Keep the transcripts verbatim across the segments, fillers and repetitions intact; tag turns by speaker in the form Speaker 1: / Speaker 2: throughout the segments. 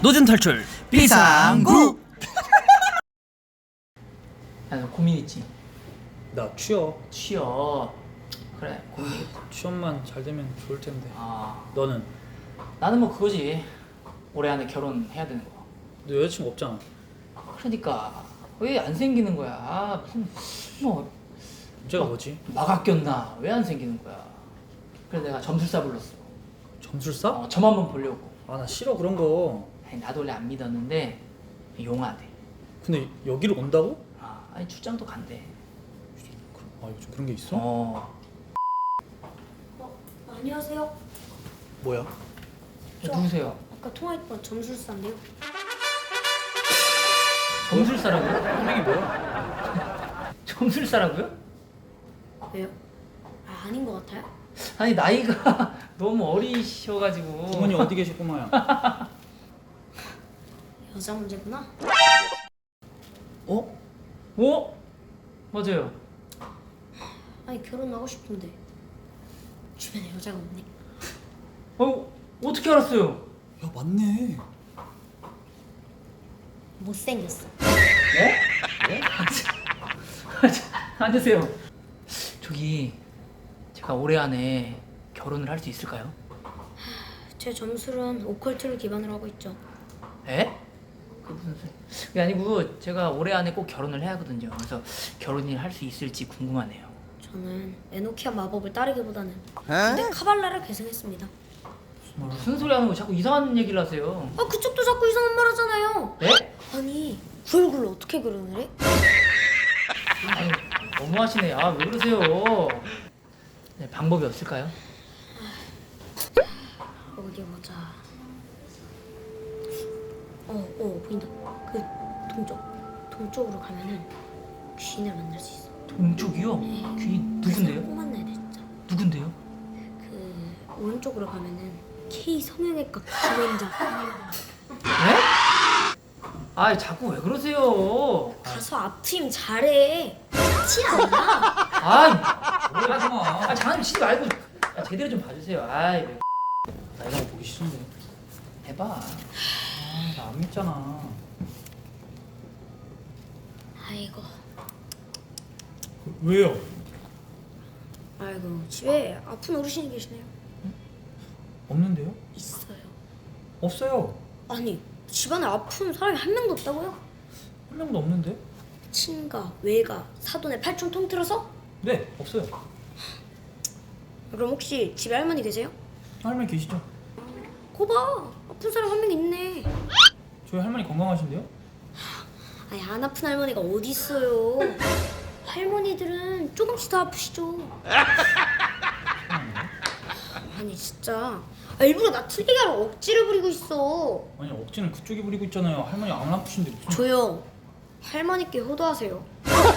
Speaker 1: 노잼 탈출 비상구.
Speaker 2: 야, 너 고민 있지?
Speaker 3: 나 취업.
Speaker 2: 취업. 그래, 고민.
Speaker 3: 취업만 잘 되면 좋을 텐데.
Speaker 2: 아,
Speaker 3: 너는?
Speaker 2: 나는 뭐 그거지. 올해 안에 결혼해야 되는 거.
Speaker 3: 너 여자친구 없잖아.
Speaker 2: 그러니까 왜 안 생기는 거야? 아, 무슨 뭐
Speaker 3: 문제가 뭐지?
Speaker 2: 마가 꼈나? 왜 안 생기는 거야? 그래서 내가 점술사 불렀어.
Speaker 3: 점술사?
Speaker 2: 어, 점 한번 보려고.
Speaker 3: 아 나 싫어 그런 거.
Speaker 2: 아니, 나도 원래 안 믿었는데 용하대.
Speaker 3: 근데 여기를 온다고?
Speaker 2: 아, 아니 출장도 간대.
Speaker 3: 아 요즘 그런 게 있어?
Speaker 2: 어.
Speaker 4: 어, 안녕하세요.
Speaker 3: 뭐야?
Speaker 2: 저 누구세요?
Speaker 4: 아까 통화했던 점술사인데요.
Speaker 2: 점술사라고요?
Speaker 3: 선생이 뭐야?
Speaker 2: 점술사라고요?
Speaker 4: 왜요? 아, 아닌 것 같아요?
Speaker 2: 아니 나이가 너무 어리셔가지고.
Speaker 3: 부모님 어디 계실 꼬마야?
Speaker 4: 여자 문제구나.
Speaker 3: 어?
Speaker 2: 어? 맞아요.
Speaker 4: 아니 결혼하고 싶은데 주변에 여자가 없네.
Speaker 2: 어? 어떻게 알았어요?
Speaker 3: 야 맞네.
Speaker 4: 못생겼어.
Speaker 2: 네? 네? 앉으세요. 저기 제가 올해 안에 결혼을 할 수 있을까요?
Speaker 4: 제 점술은 오컬트를 기반으로 하고 있죠.
Speaker 2: 에? 그 무슨 소리? 그게 아니고 제가 올해 안에 꼭 결혼을 해야 하거든요. 그래서 결혼을 할 수 있을지 궁금하네요.
Speaker 4: 저는 에노키아 마법을 따르기보다는 근데 카발라를 계승했습니다.
Speaker 2: 무슨 소리 하는 거 자꾸 이상한 얘기를 하세요.
Speaker 4: 아 그쪽도 자꾸 이상한 말 하잖아요.
Speaker 2: 네?
Speaker 4: 아니 그 얼굴로 어떻게 결혼을 해?
Speaker 2: 아니 너무하시네. 아 왜 그러세요? 네, 방법이 없을까요?
Speaker 4: 어디 보자. 어, 어 보인다. 그 동쪽, 동쪽으로 가면은 귀인을 만날 수 있어.
Speaker 2: 동쪽이요? 귀인 누군데요?
Speaker 4: 꼭 만나야 돼 진짜.
Speaker 2: 누군데요?
Speaker 4: 그 오른쪽으로 가면은 K 성형외과 김원장.
Speaker 2: 네? 아 자꾸 왜 그러세요?
Speaker 4: 가서 앞트임 잘해. 그렇지 않아?
Speaker 2: 아이,
Speaker 3: 오해하지 마.
Speaker 2: 아 장난좀 치지 말고 아, 제대로 좀 봐주세요. 아이, 왜
Speaker 3: 나 이런 거 보기 싫은데.
Speaker 2: 해봐.
Speaker 3: 나 안 믿잖아.
Speaker 4: 아이고,
Speaker 3: 왜요?
Speaker 4: 아이고 집에 아픈 어르신이 계시네요.
Speaker 3: 없는데요?
Speaker 4: 있어요.
Speaker 3: 없어요.
Speaker 4: 아니 집안에 아픈 사람이 한 명도 없다고요?
Speaker 3: 한 명도 없는데?
Speaker 4: 친가, 외가, 사돈의 팔촌 통틀어서?
Speaker 3: 네 없어요.
Speaker 4: 그럼 혹시 집에 할머니 계세요?
Speaker 3: 할머니 계시죠?
Speaker 4: 거봐 아픈 사람 한 명 있네.
Speaker 3: 저희 할머니 건강하신데요?
Speaker 4: 아니 안 아픈 할머니가 어디 있어요? 할머니들은 조금씩 더 아프시죠. 아니 진짜 아, 일부러 나 틀리게 하러 억지를 부리고 있어.
Speaker 3: 아니 억지는 그쪽이 부리고 있잖아요. 할머니 안 아프신데 무슨?
Speaker 4: 조용. 할머니께 효도하세요.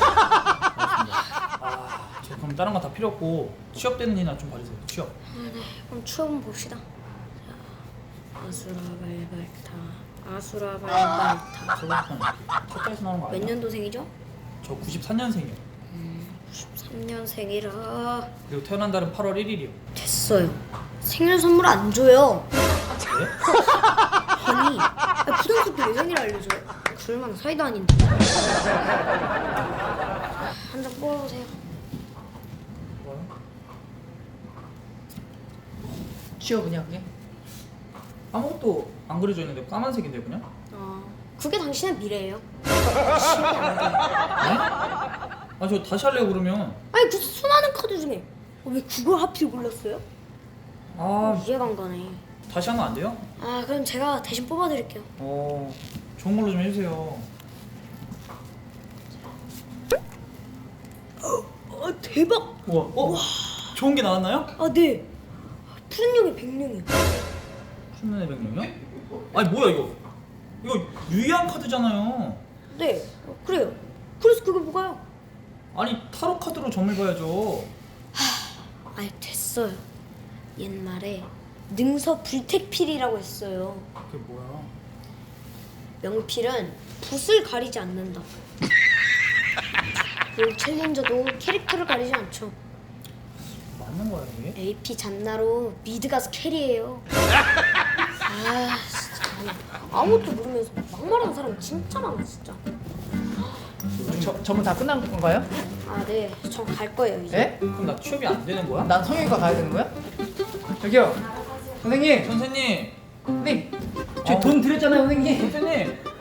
Speaker 3: 아, 저 그럼 다른 거 다 필요 없고 취업되는 일이나 좀 봐주세요. 취업.
Speaker 4: 아, 네. 그럼 추억은 봅시다. 자, 아수라 발발타, 아수라 발발타.
Speaker 3: 서울편 첫달에서 나오는 거
Speaker 4: 몇
Speaker 3: 아니야?
Speaker 4: 년도생이죠?
Speaker 3: 저 구십삼 년생이요.
Speaker 4: 구십삼 년생이라
Speaker 3: 그리고 태어난 달은 팔월 일일이요.
Speaker 4: 됐어요. 생일 선물 안 줘요.
Speaker 3: 네?
Speaker 4: 아니, 아, 부담스럽게 왜 생일 알려줘요? 그럴 만한 사이도 아닌데. 한 장 뽑아보세요.
Speaker 3: 뭐요?
Speaker 2: 취업이냐 그게?
Speaker 3: 아무것도 안 그려져 있는데 까만색인데 그냥?
Speaker 4: 아, 그게 당신의 미래예요. 시험이 안 돼요.
Speaker 3: 아 저 다시 할래요 그러면.
Speaker 4: 아니, 그 수많은 카드 중에 어, 왜 그걸 하필 골랐어요?
Speaker 3: 아
Speaker 4: 이해가 안 가네.
Speaker 3: 다시 하면 안 돼요?
Speaker 4: 아, 그럼 제가 대신 뽑아드릴게요.
Speaker 3: 어 좋은 걸로 좀 해주세요.
Speaker 4: 아, 대박!
Speaker 3: 우와. 어? 좋은 게 나왔나요?
Speaker 4: 아, 네. 푸른 용이 백룡이요.
Speaker 3: 춘면의 백룡이요? 아니 뭐야 이거? 이거 유의한 카드잖아요.
Speaker 4: 네, 어, 그래요. 그래서 그게 뭐가요?
Speaker 3: 아니 타로 카드로 점을 봐야죠.
Speaker 4: 아이, 됐어요. 옛말에 능서 불택필이라고 했어요.
Speaker 3: 그게 뭐야?
Speaker 4: 명필은 붓을 가리지 않는다. 롤 챌린저도 캐릭터를 가리지 않죠.
Speaker 3: 맞는 거야 이게?
Speaker 4: 에이피 잔나로 미드 가서 캐리해요. 아 진짜. 아무것도 모르면서 막말하는 사람 진짜 많아 진짜.
Speaker 2: 저, 전부 다 끝난 건가요?
Speaker 4: 아 네, 저 갈 거예요 이제.
Speaker 2: 예?
Speaker 3: 그럼 나 취업이 안 되는 거야?
Speaker 2: 난 성형외과 가야 되는 거야? 저기요 선생님
Speaker 3: 선생님
Speaker 2: 선생님 저희
Speaker 3: 어.
Speaker 2: 돈 드렸잖아요 선생님
Speaker 3: 선생님